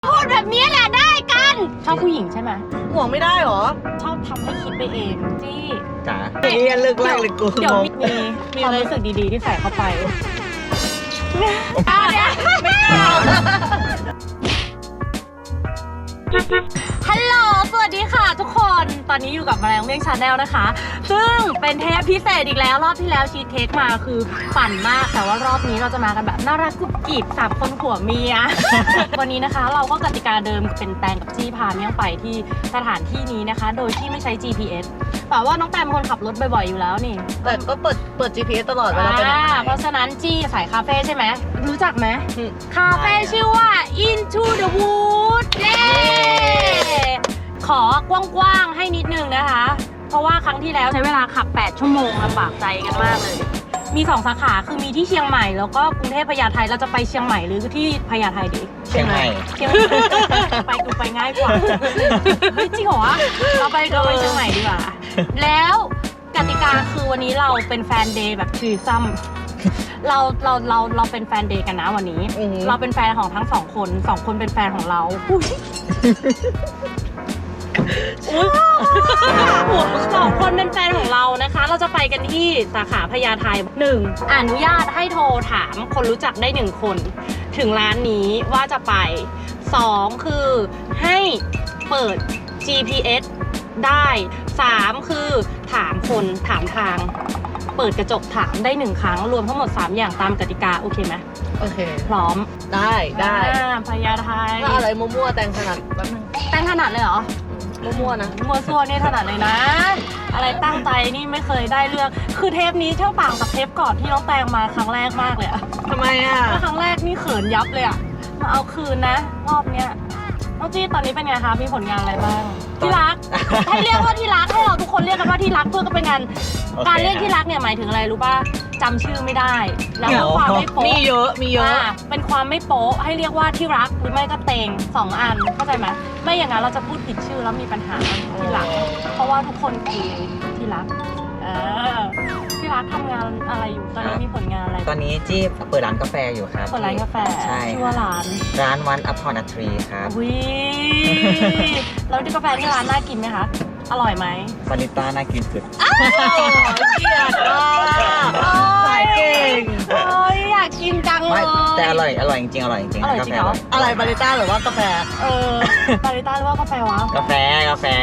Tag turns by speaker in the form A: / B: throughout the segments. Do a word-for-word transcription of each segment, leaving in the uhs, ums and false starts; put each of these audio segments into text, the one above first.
A: พูดแบบนี้แหละได้กันชอบผู้หญิงใช่ไหม
B: ห่วงไม่ได้หรอ
A: ชอบทำให้คิดไปเองจี้
C: จ๋าเฮ้ยเลิกไล่เลยกู
A: เดี๋ยวมีมีความรู้สึกดีๆที่ใส่เข้าไปอ่ะเนี่ยไม่เอาฮัลโหลสวัสดีค่ะทุกคนตอนนี้อยู่กับแมลงเมี่ยงชาแนลนะคะซึ่งเป็นเทปพิเศษอีกแล้วรอบที่แล้วชีสเค้กมาคือปั่นมากแต่ว่ารอบนี้เราจะมากันแบบน่ารักกุบกิบสามคนผัวเมีย วันนี้นะคะเราก็กติกาเดิมเป็นแตงกับจี้พาเมี่ยงไปที่สถานที่นี้นะคะโดยที่ไม่ใช้ จี พี เอส แต่ว่าน้องแตงเป็นคนขับรถบ่อยๆอยู่แล้วนี่
B: แต่ก็เปิดเปิด จี พี เอส ตลอดเวลาไปไหน
A: เพราะฉะนั้นจี้สายคาเฟ่ใช่ไหมรู้จักไหมคาเฟ่ชื่อว่า Into the Wood เย้ขอกว้างๆให้นิดนึงนะคะเพราะว่าครั้งที่แล้วใช้เวลาขับแปดชั่วโมงลำบากใจกันมากเลยมีสองสาขาคือมีที่เชียงใหม่แล้วก็กรุงเทพพญาไทเราจะไปเชียงใหม่หรือที่พญาไทดี
C: เชียงใหม่
A: เชียงใหม่ไปกูไปง่ายกว่าเฮ้ยจริงเหรอเราไปเราไปเชียงใหม่ดีกว่าแล้วกติกาคือวันนี้เราเป็นแฟนเดย์แบบทรีซัมเราเราเราเราเป็นแฟนเดย์กันนะวันนี้เราเป็นแฟนของทั้งสองคนสองคนเป็นแฟนของเราสองคนเป็นแฟนของเรานะคะเราจะไปกันที่สาขาพญาไทหนึ่งอนุญาตให้โทรถามคนรู้จักได้หนึ่งคนถึงร้านนี้ว่าจะไปสองคือให้เปิด จี พี เอส ได้สามคือถามคนถามทางเปิดกระจกถามได้หนึ่งครั้งรวมทั้งหมดสามอย่างตามกติกาโอเคไหม
B: โอเค
A: พร้อม
B: ได้ได้
A: พญาไท
B: ถ้าอะไรมั่วๆแต่งถนัดแป๊บนึง
A: แต่งถนัดเลยเหรอ
B: มั่วๆนะ
A: มั่วซั่วนี่ถนัดเลยนะอะไรตั้งใจนี่ไม่เคยได้เลือกคือเทปนี้เท่าต่างกับเทปก่อนที่น้องแตงมาครั้งแรกมากเลยอะ
B: ทำไมอะ
A: ครั้งแรกนี่เขินยับเลยอะมาเอาคืนนะรอบเนี้ยน้องจี้ตอนนี้เป็นไงคะมีผลงานอะไรบ้างที่รักให้เรียกว่าที่รักให้เราทุกคนเรียกกันว่าที่รักเพื่อก็เป็นงานการเรียกที่รักเนี่ยหมายถึงอะไรรู้ป่ะจำชื่อไม่ได้แล้วความไม่โป๊ะ
B: มีเยอะมีเยอะ
A: เป็นความไม่โป๊ะให้เรียกว่าที่รักหรือไม่ก็เตงสองอันเข้าใจไหมไม่อย่างนั้นเราจะพูดผิดชื่อแล้วมีปัญหาที่รักเพราะว่าทุกคนคือที่รักเออที่รักทำงานอะไรอยู่ตอนนี้มีผลงานอะไร
C: ตอนนี้จี้เปิดร้านกาแฟอยู่ครับ
A: เปิดร้านกาแฟ
C: ใช่
A: ชื่อว่าร้าน
C: ร้านวันอัพพอร์ตทรีครับ
A: วิแล้วกาแฟที่ร้านน่ากินไหมคะอร่อยไหม
C: บาริสต้าน่ากินสุด
B: เกลียดอ่ะสายเก่ง
A: โอ้ยอยากกินจังเลย
C: แต่อร่อยอร่อยจริงๆอร่อยจริง
A: ๆอร่อยจริงเหรอ
B: อะไรบาริสต้าหรือว่ากาแฟ
A: เออบาริสต้าหรือว่ากาแฟวะ
C: กาแฟกาแฟ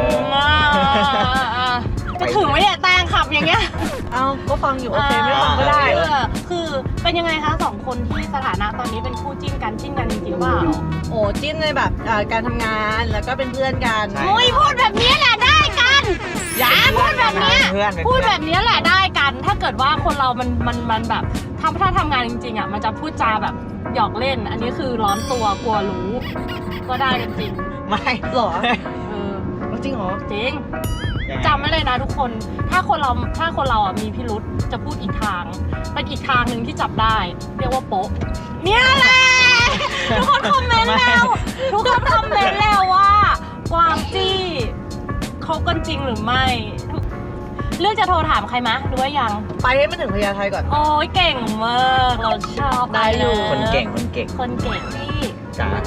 A: จะถึงไหมเนี่ยแตงขับอย่างเงี้ย
B: เอาก็ฟังอยู่โอเคไม่ฟังก็ได้
A: คือเป็นยังไงคะสองคนที่สถานะตอนนี้เป็นคู่จิ้นกันจิ้นกันจริงๆเปล่า
B: โอ้จิ้นในแบบการทำงานแล้วก็เป็นเพื่อนกัน
A: โอ้ยพูดแบบนี้แหละได้กันอย่าพูดแบบนี้พูดแบบนี้แหละได้กันถ้าเกิดว่าคนเรามันมันมันแบบทำถ้าทำงานจริงๆอ่ะมันจะพูดจาแบบหยอกเล่นอันนี้คือร้อนตัวกลัวรู้ก็ได้กันจริง
C: ไม่
B: หรอ
A: เออ
B: จริงเหรอ
A: จริงจำไว้เลยนะทุกคนถ้าคนเราถ้าคนเราอ่ะมีพิรุธจะพูดอีกทางเป็นอีกทางหนึ่งที่จับได้เรียกว่าโป๊ะเนี่ยแหละทุกคนคอมเมนต์แล้วทุกคนคอมเมนต์แล้วว่ากวางจี้เขากันจริงหรือไม่เลือกจะโทรถามใครมะหรือว่ายัง
B: ไปให้มันถึงพญาไทก่อน
A: โอ้ยเก่งมากเราชอบ
B: ได้อยู่
C: คนเก่งคนเก่ง
A: คนเก่งที่
C: จ๋า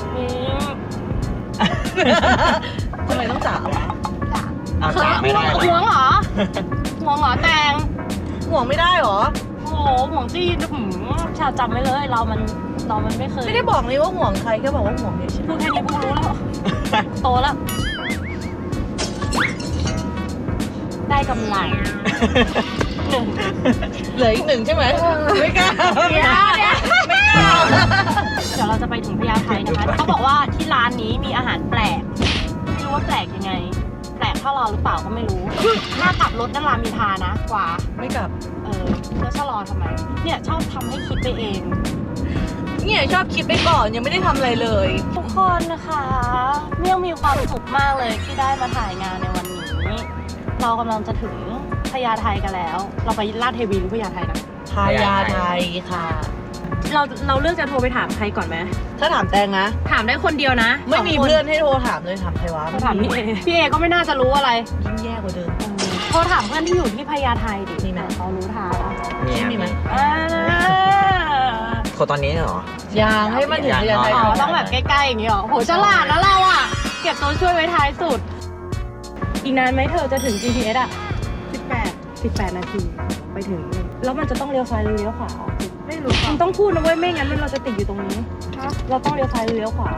B: ทำไมต้องจ๋าวะ
C: เอาจ๋าไม่ได้
A: ห่วงเหรอห่วงเหรอแตง
B: ห่วงไม่ได้หรอ
A: โอ้โหห่วงจี้หืมชาจำไว้เลยเรามันเรามันไม่เคย
B: ไม่ได้บอกเลยว่าห่วงใครแค่บอกว่าห่วงเฉย
A: พูดแค่นี้พูดรู้แล้วโตแล้วได้กำไรหนึ่ง
B: เหลืออีกหนึ่งใช่ไหมไม่กล้า
A: ไม่กล้าไม่กล้าเดี๋ยวเราจะไปถึงพญาไทนะคะเขาบอกว่าที่ร้านนี้มีอาหารแปลกไม่รู้ว่าแปลกยังไงแปลกเท่าเราหรือเปล่าก็ไม่รู้ถ้ากลับรถนั่นรามีทานะกว่า
B: ไม่กลับ
A: เออแล้วชะลอทำไมเนี่ยชอบทำให้คิดไปเอง
B: เนี่ยชอบคิดไปก่อนยังไม่ได้ทำอะไรเลย
A: ทุกคนนะคะเมี่ยงมีความสุขมากเลยที่ได้มาถ่ายงานในวันนี้เรากำลังจะถึงพญาไทกันแล้วเราไปลาดเทวีหรือพญาไทนะ
B: พญาไทค่ะ
A: เราเราเลือกจะโทรไปถามใครก่อนไหม
B: ถ้าถามแตงนะ
A: ถามได้คนเดียวนะ
B: ไม่มีเพื่อนให้โทรถามเลยถามใครวะ
A: ถามพี่เอพี่เอก็ไม่น่าจะรู้อะไร
B: ยิ่งแย่กว่าเดิม
A: โทรถามเพื่อนที่อยู่ที่พญาไทดิมีไหมเขารู้ทาง
C: มี
B: มีไหม
A: อ่า
C: รตอนนี้เหรอ
B: ยังให้มันถึงพญาไท
A: อ๋อต้องแบบใกล้ๆอย่างนี้เหรอโหฉลาดนะเราอ่ะเก็บตัวช่วยไว้ท้ายสุด อีกนานไหมเธอจะถึง จี พี เอส อ่ะสิบแปด สิบแปดนาทีไปถึงแล้วมันจะต้องเลี้ยวซ้ายหรือเลี้ยวขวาไม่รู้มึงต้องพูดนะเว้ยไม่งั้นมันเราจะติดอยู่ตรงนี้เราต้องเลี้ยวซ้ายหรือเลี้ยวขวา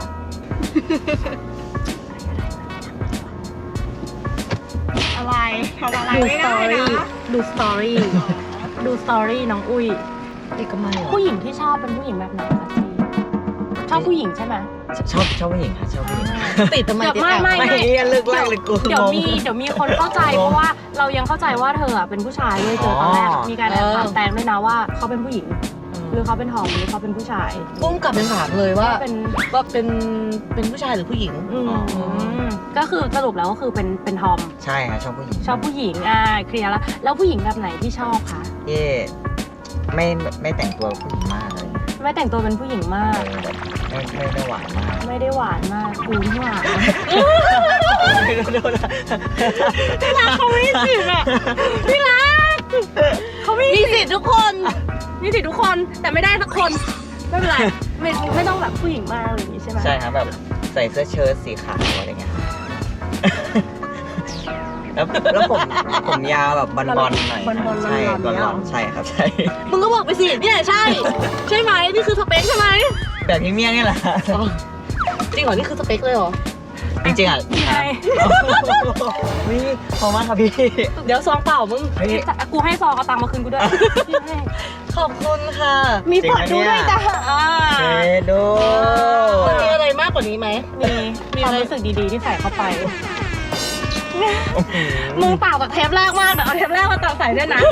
B: อะไรทำอะไร
A: ดู
B: ไม่
A: สต
B: ได้
A: อรี่
B: นะ
A: ดูสตอรี่ดูสตอรี่น้องอุ้ย
B: เอกมัยเหรอ
A: ผู้หญิงที่ชอบเป็นผู้หญิงแบบไหนคะซีชอบผู้หญิงใช่ไหม
C: ชอบชอบผู้หญิงค่ะชอบผู้หญิง
B: ติดทำไม
A: เดี๋ยว
B: ติด
A: ไม่
B: แอบ
A: ไม่
C: ไม่เรียนเลิกไล่เลยกู
A: เดี๋ยว
C: งง
A: มีเดี๋ยวมีคนเข้าใจเพราะว่าเรายังเข้าใจว่าเธออะเป็นผู้ชายเลยเจอตอนแรก
C: อ๋อ
A: มีการแอบถามแตงด้วยนะว่าเขาเป็นผู้หญิง หรือเขาเป็นทอมหรือเขาเป็นผู้ชาย
B: ปุ้มกลับเป็นถามเลยว่า
A: เป็น
B: ว่าเป็นเป็นผู้ชายหรือผู้หญิง
A: อืมก็คือสรุปแล้วก็คือเป็นเป็นทอม
C: ใช่ค่ะชอบผู้หญิง
A: ชอบผู้หญิงอ่าเคลียร์แล้วแล้วผู้หญิงแบบไหนที่ชอบคะ
C: เย่ไม่ไม่แต่งตัวผู้หญิงมากเลย
A: ไม่แต่งตัวเป็นผู้หญิงมาก
C: เออแบบไม่ไม่ไม่หวานมาก
A: ไม่ได้หวานมากกูไม่หวาน
C: ที่รัก
A: เขาไม่สิทธิ์อ่ะพี่รักเขาไม่มีสิทธิ์ทุกคนมีสิทธิ์ทุกคนแต่ไม่ได้สักคนไม่เป็นไรไม่ไม่ต้องแบบผู้หญิงมากอะไรอย่างงี้ใช่ไหม
C: ใช่ครับแบบใส่เสื้อเชิ้ตสีขาวอะไรเงี้ยแล้วแล้วผมผมยาวแบบบอลบอลหน่อย
A: บอลบอล
C: ใช่บ
A: บ
C: อ
A: อ
C: ล
A: ล
C: บ
A: บ
C: อ
A: อ
C: ล
A: ล
C: ใช่ครับใช่
B: มึงก็บอกไปสิเนี่ยใช่ ใช่ไหมนี่คือสเปคใช่ไหม
C: แบบพรีเมียมนี่แหละ
B: จริงเหรอนี่คือสเปคเลยเหรอ
C: จริงๆอ่ะ
A: ใช่
C: วิขอบมากครับพี่
A: เดี๋ยวซองเปล่ามึง
C: เฮ้ย
A: กูให้ซองเอาตังค์มาคืนกูด้วยพี่ให้
B: ขอบคุณค่ะ
A: มีปลดดูด้วยจ้ะอ่า
C: เชโด
B: มันมีอะไรมากกว่านี้ไหม
A: มีมีความรู้สึกดีๆที่ใส่เข้าไป มึงเปล่ากับเทปแรกมากเดี๋ยวเอาเทปแรกมาตัดใส่ด้วยนะ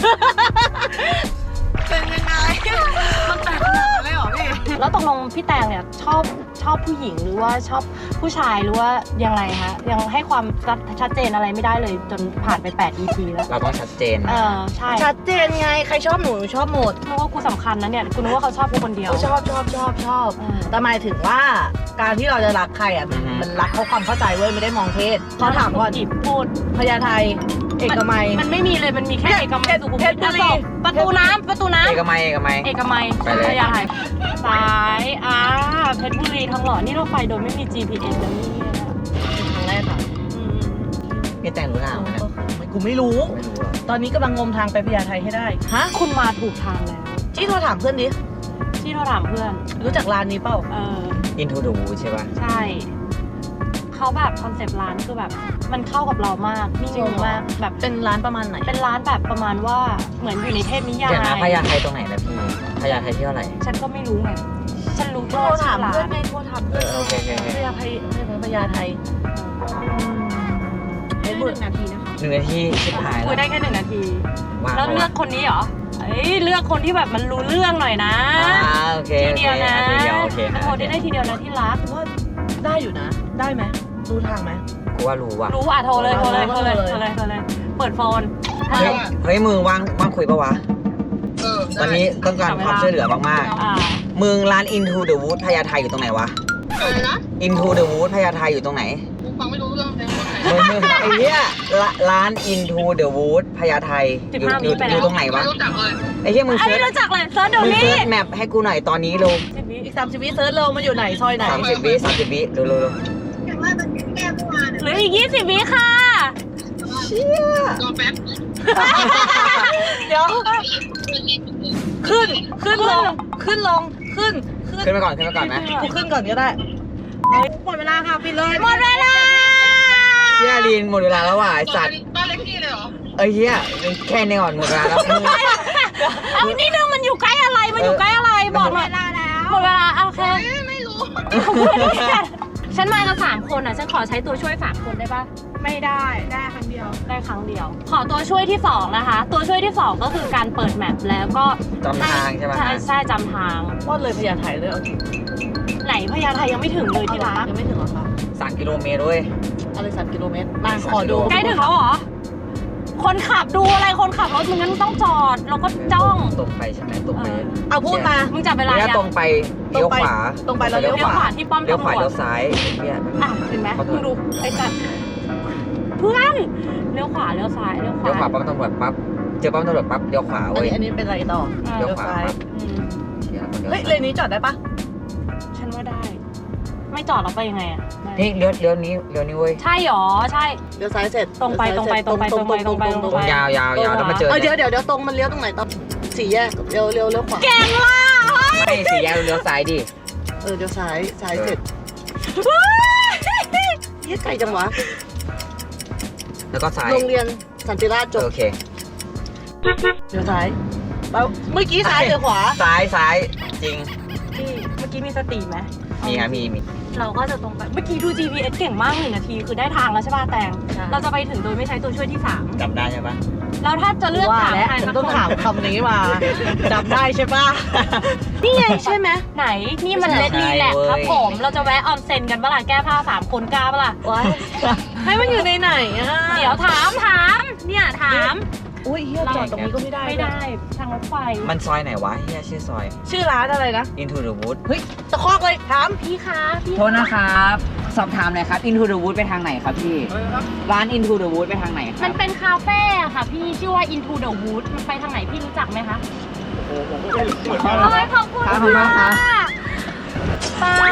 B: เป็นยังไงมันแตกขนาดนั้นเลยเหรอพี่
A: แล้วตกลงพี่แตงเนี่ยชอบชอบผู้หญิงหรือว่าชอบผู้ชายหรือว่ายังไงคะยังให้ความชัดเจนอะไรไม่ได้เลยจนผ่านไปแปด อี พี แล้ว
C: เราต้องชัดเจน
A: เอ
C: นะ
A: อใช่
B: ชัดเจนไงใครชอบหนูหนูชอบหมด
A: นึกว่ากูสำคัญนะเนี่ยกูนึกว่าเขาชอบกูคนเดียว
B: ชอบชอบชอบชอบ
A: เออ
B: แต่หมายถึงว่าการที่เราจะรักใครอ่ะมันมันรักเขาความเข้าใจเว้ยไม่ได้มองเพศเขาถามก่อน
A: หยิบพูด
B: พญาไทเอกมัย
A: มันไม่มีเลยมันมีแค่เอกมัยสุขุม
B: เพ
A: วิ
B: ช
A: ท
B: รบุรี
A: ประตูน้ำประตูน้ำ
C: เอกมัยเอกมัย
A: เอกมัย
C: ไปเลย
A: พญาไทซ้ายอ่าเพชรบุรีทองหล่อนี่เราไปโดยไม่มี จี พี เอส แล้วนี่
B: เป็นครั้งแรกค่ะ
A: อืม
C: พี่แต่งรู้ทางไหมนะ
B: กูไม่รู้
C: ไม่รู้หรอก
B: ตอนนี้กำลังงมทางไปพญาไทให้ได้ ฮะ
A: คุณมาถูกทางแล้ว
B: ที่โทรถามเพื่อนดิ
A: ที่เราถามเพื่อน
B: รู้จักร้านนี้เปล่า
A: เออ
C: อินทูดูใช่ป่ะ
A: ใช่ เขาแบบคอนเซปต์ร้านคือแบบ มันเข้ากับเรามากนิ่งมากแบบ
B: เป็นร้านประมาณไหน
A: เป็นร้านแบบประมาณว่าเหมือนอยู่ในเทพนิยาย
C: เดี๋ยวนะพญาไทตรงไหนนะพี่พญาไทที่เท่าไหร่
A: ฉันก็ไม่รู้ไงฉันรู้
B: โท
A: แค่
B: ร
A: ว่า
B: ถาม
A: ชื่อร้า
B: เพื่อน
A: น
B: ไงโทรถาม
C: เอ
B: เพื่อน
C: อโอเคโอเคโอเค
B: พญาไทพญาไทเพชรบุรี
A: นาทีนะคะ
C: หนึ่งนาทีชิบหาย
A: คุย
C: แล้ว
A: ได้แค่หนึ่งนาที
C: ว่าง
A: แล้วเลือกคนนี้เหรอเอ้ยเลือกคนที่แบบมันรู้เรื่องหน่อยนะ
C: อ่าโอเค
A: ที
C: โอเค
A: เดียวนะ
C: ทีเดียวโอเค
A: โทรได้ได้ทีเดียวนะที่รัก
B: ว่าได้อยู่นะ ได้ไหมรู้ทางไหม
C: กูว่ารู้ว่ะ
A: รู้อ่ะโทรเลยโทรเลยโทรเลย
B: โทรเลย
A: โทรเลยโทรเลย เปิดโฟน
C: เฮ้ยเฮ้ยมึงว่างว่างคุยปะวะตอนนี้ต้องการความช่วยเหลือมาก
A: อ่า
C: ๆมึงร้าน Into the Wood พญาไทอยู่ตรงไหนวะ
D: อะไรนะ
C: Into the Wood พญาไทอยู่ตรงไหน
D: กูฟังไม่รู้เรื่องเพลงคนไหน
C: มึงมึงไอ้เหี้ยละร้าน Into the Wood พญาไทอยู่อยู่อยู่ตรงไหนวะ
D: ไม่รู้จักเลย
C: ไอ้เหี้ยมึง
A: อัน
C: เซิ
A: นี้
C: ร์ช
A: รู้จักเลยเซิร์ชเดี๋ยว
C: มึง
A: นี้
C: เซิร์ชแมปให้กูหน่อยตอนนี้ลง
B: อีกสามสิบวิเซิร์ชเร็วมันอยู่ไหนซอยไหน
C: สามสิบวิสามสิบวิเร็วเร็วเร็ว
D: อย่างว่ามันแก้เมื่อวาน
A: เหลืออีกยี่สิบวิค่ะ
D: รอแป๊บ
B: เดี๋ยว ขึ้น ขึ้นลง ขึ้นลง ขึ้น ขึ้น
C: ขึ้นไปก่อนขึ้นไปก่อนนะ
B: กูขึ้นก่อนก็ได้ หมดเวลาค่ะปิดเลย
A: หมดเวลา
C: เชี่ยลีนหมดเวลาแล้วว่ะไอ้สัตว์
D: บ้านเล็กที่เลยเหรอ
C: เอ้ยเหี้ยแค่นี้ก่อนหมดเวลาแล้วมึง
A: เอานี่นึงมันอยู่ใกล้อะไรมันอยู่ใกล้อะไรบอกหน่อยหมดเวลาโอเค
D: ไม่รู้
A: ฉันมากันสามคนอ่ะฉันขอใช้ตัวช่วยสามคนได้ปะ
B: ไม่ได้ได้ครั้งเดียว
A: ได้ครั้งเดียว ขอตัวช่วยที่สองนะคะ ตัวช่วยที่สองก็คือการเปิดแมปแล้วก็
C: จำทางใช่ไหม
A: ใช่ใช่จำทาง
B: ว่าเลยพญาไทเลยเอาจริง
A: ไหนพญาไทยังไม่ถึงเลยที่รัก
B: ยังไม่ถึงหรอคะ
C: สามกิโลเมตรด้วย
B: อะไรสามกิโลเมตรมาขอดู
A: ใกล้ถึงแล้วเหรอ คนขับดูอะไรคนขับรถมึงงั้นต้องจอดแล้วก็จ้อง
C: ตรงไปใช่ไหมตรงไป
B: เอาพูดมา
A: มึงจับเวลา
C: แล้ว
A: ยัง
C: ตรงไปเลี้ยวขวา
B: ตรงไปแล้วเลี้ยว
A: เลี้ยวขวาที่ป้อม
C: เลี้ยว
A: ตำ
C: ข
A: ร
C: วาว
A: จ
C: เลี้ยวซ้ายเนี่ย
A: อ่ะเห็นไหมมึงดูไอ้สัตว์เพื่อนเลี้ยวขวาเลี้ยวซ้ายเลี้ยวขวา
C: เลี้ยวขวาปั๊มตำรวจปั๊บเจอปั๊มตำรวจปั๊บเลี้ยวขวา
B: อัน
C: เว้ย
B: นี้อันนี้เป็นอะไรต่อ
A: อ่า
C: เลี้ยวขวาปั๊บ
A: อืม
C: เชี่ยคนดี๋ยว
B: เฮ้ยเลนนี้จอดได้ปะ
A: ฉันว่าได้ ไม่จอดเราไปยังไงอะได้
C: นี่เลี้ยวเลี้ยวนี้เลี้ยวนี้เว้ย
A: ใช่หรอใช่
B: เดี๋ยวซ้ายเสร็จ
A: ตรงไปตรงไปตรงไปตรงไปตรงไปตรงไป
C: ยาวยาวยาวแล้วมาเจอ
B: เออเดี๋ยวเดี๋ยวเดี๋ยวตรงมันเลี้ยวตรงไหนตอนสี่แยกเลี้ยวเลี้ยวเลี้ยวขวา
A: เก่งว่ะ
C: ไม่สี่แยกเลี้ยวซ้ายดิ
B: เออเดี๋ยวซ้ายซ้ายเสร็จเฮ้ยไกลจังวะ
C: แล้วก็ซ้าย
B: โรงเรียนสันติราชจบ
C: โอเค
B: เดี๋ยวซ้ายแล้วเมื่อกี้ซ้ายหรือขวา
C: ซ้ายซ้ายจริง
A: พี่เมื่อกี้มีสติไหม
C: มีครับมีมี
A: เราก็จะตรงไปเมื่อกี้ดู จี พี เอส เก่งมากหนึ่งนาทีคือได้ทางแล้วใช่ป่ะแตงเราจะไปถึงโดยไม่ใช้ตัวช่วยที่สาม
C: จำได้ใช่ปะ
A: แล้วถ้าจะเลือก
B: ว่า
A: ถาม
B: แล้ว
A: ใคร
B: ฉั
A: สั
B: น
A: ก
B: ต้อง
A: คน
B: ถามคำนี้มาจำได้ใช่ปะนี่ไงใช่ไหม
A: ไหนนี่มันเลดรีแลกครับผมเราจะแวะออนเซ็นกันเมื่อไหร่แก้ผ้าสามคนกล้าเปะล่า
B: ว้ายให้มันอยู่ในไหนอ่ะ
A: เดี๋ยวถามถามเนี่ยถาม
B: อุ้ยเฮียจอดตรงนี้ก็ไม่ได้
A: ไม่ได้ทางรถไฟ
C: มันซอยไหนวะเฮียชื่อซอย
B: ชื่อร้านอะไรนะ
C: Into the Wood
B: เฮ้ยตะคอกเลยถาม
A: พี่คะพี่
C: โทษนะครับ สอบถามหน่อยครับ Into the Wood ไปทางไหนครับพี่ ร้าน Into the Wood ไปทางไหนค
A: มั
C: รั
A: น
C: บ
A: เป็นคาเฟ่อะค่ะพี่ชื่อว่า Into the Wood มันไปทางไหนพี่รู้จักไหมคะโอ้ยขอบคุณ
C: ขอบคุณมากครับ
A: ปัง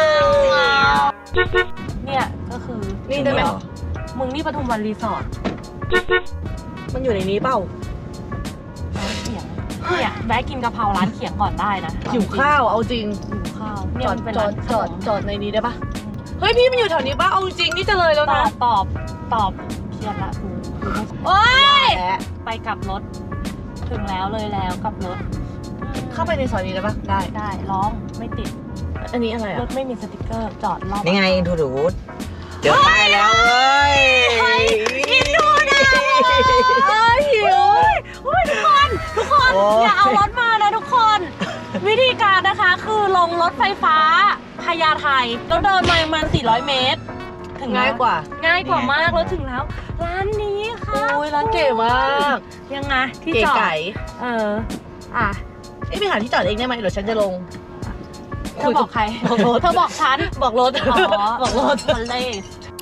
A: เนี่ยก็คือ
B: นี่ได้ไหม
A: มึงนี่ปทุมวันรีสอร์ท
B: มันอยู่ในนี้เปล่า
A: ร้านเขียงเนี่ยแวะกินกะเพราร้านเขียงก่อนได้นะ
B: หิวข้าวเอาจริง
A: หิวข้าวเนี่
B: จ
A: ย
B: อ
A: มั
B: ด
A: นเป็น
B: จอ
A: ร้า
B: ด
A: น
B: จอดจอดในนี้ได้ปะเฮ้ยพี่มันอยู่แถวนี้ปะเอาจริงนี่จะเลยแล้ว
A: ตอ
B: นะ
A: บตอบตอบเครียดละกูกูไม่โอ๊ย
B: แหละ
A: ไปกลับรถ ถึงแล้วเลยแล้วกลับรถ
B: เข้าไปในซอยนี้ได้ปะได้
A: ได้ร้องไม่ติด
B: อันนี้อะไร
A: ร
B: อ่ะ
A: ถไม่มีสติกเกอร์จอดรอบ
C: นี่ไง Into the Wood เจอป้ายแล้วเว้ย
A: กินดูนะเอ้ยหิวอุ้ยทุกคนทุกคน
C: โอ้
A: อย่าเอารถมานะทุกคน วิธีการนะคะคือลงรถไฟฟ้าพญาไทแล้วเดินมาประมาณสี่ร้อยเมตร ถึง
B: ง่ายกว่า
A: ง่ายกว่ามากแล้วถึงแล้ว ร้านนี้ค่ะ
B: อุ้ยร้านเก๋มาก
A: ยังไงที่
B: เก๋
A: จอด
B: ไก่
A: เอออ่ะ
B: เอ้ยไปหาที่จอดเองได้ไหมเดี๋ยวฉันจะลง
A: เธอบอกใคร
B: บอกรถ
A: เธอบอกฉัน
B: บอกรถ
A: อ๋อ
B: บอกรถ
A: คนเลส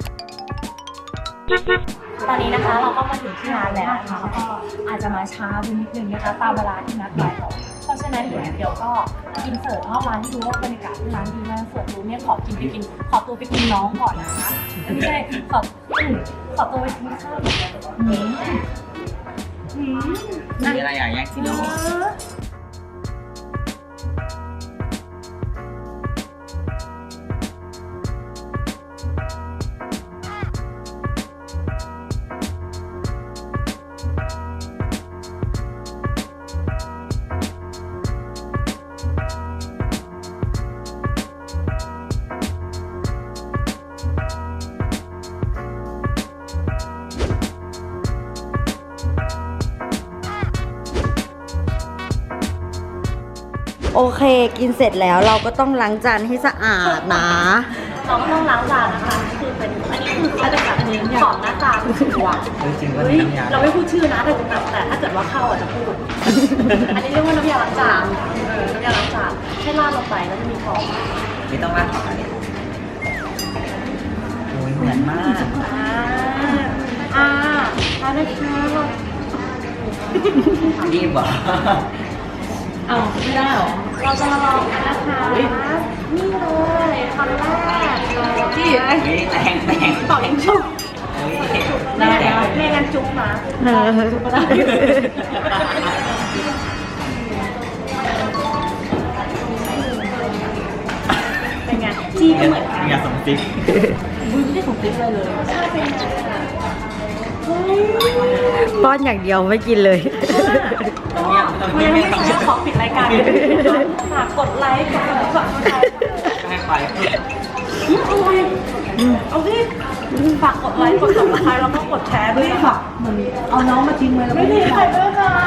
A: ตอนนี้นะคะเราก็มาถึงที่ร้านแล้วนะคะแล้วก็อาจจะมาช้าไปนิดนึงนะคะตามเวลาที่นัดไว้เพราะฉะนั้นเดี๋ยวเดี๋ยวก็อินเสิร์ตรอบร้านให้ดูว่าบรรยากาศที่ร้านดีมากเสิร์ตดูเนี่ยขอกินไปกินขอตัวไปกินน้องก่อนนะคะไม่ใช่ขออืมขอตัวไปกินข้าวอืมอืม
C: มีอะไรอย่างแยกสิเนาะ
E: โอเค กินเสร็จแล้วเราก็ต้องล้างจานให้สะอาดนะ
A: เราก็ต้องล้างจานนะคะคือเป็นอันนี้คืออาจจะแบบอันนี้ของหน้าตาคือสีหวาน
C: จริงๆก็
A: เฮ้ย
C: น้ำยา
A: เราไม่พูดชื่อนะแต่แต่แต่ถ้าเกิดว่าเข้าอ่ะจะพูด อันนี้เรียกว่าน้ำยาล้างจานเออน้ำยาล้างจานให้ราดลงไปแล้วจะมีฟอง
C: ไม่ต้องราดต่อเนี่ยโอ้ยเหมือนมาก
A: อ่าอ่าเอาได้ค่ะ
C: รีบเหรอ
A: เอาไม่ได้หรอ เราจะมาลองกันนะคะนี่เลยคำแรกที่
C: เฮ้ยแรงแรง
A: ต่อเองชุบ
C: เฮ้ย
A: ได้ได้แม่งั้นจุ๊บนะจุ๊บก็ได้เป็นไงจี้ก็เหมือนกัน
C: อย่าสมติ๊ก
A: มึงไม่ได้ส่งติ๊กเลยเลยใช่เป็นไง
E: ป้อนอย่างเดียวไม่กินเลย
A: ก็ยังไม่ใช่ขอปิดรายการฝากกดไลค์กดติดตาม
C: ให้ไป
A: เอาดิฝากกดไลค์กดติดตามแล้วก็กดแชร์ด้วยค่ะเอาน้องมาทิ้งไว้แล้วไม่มีใครด้วยค่ะ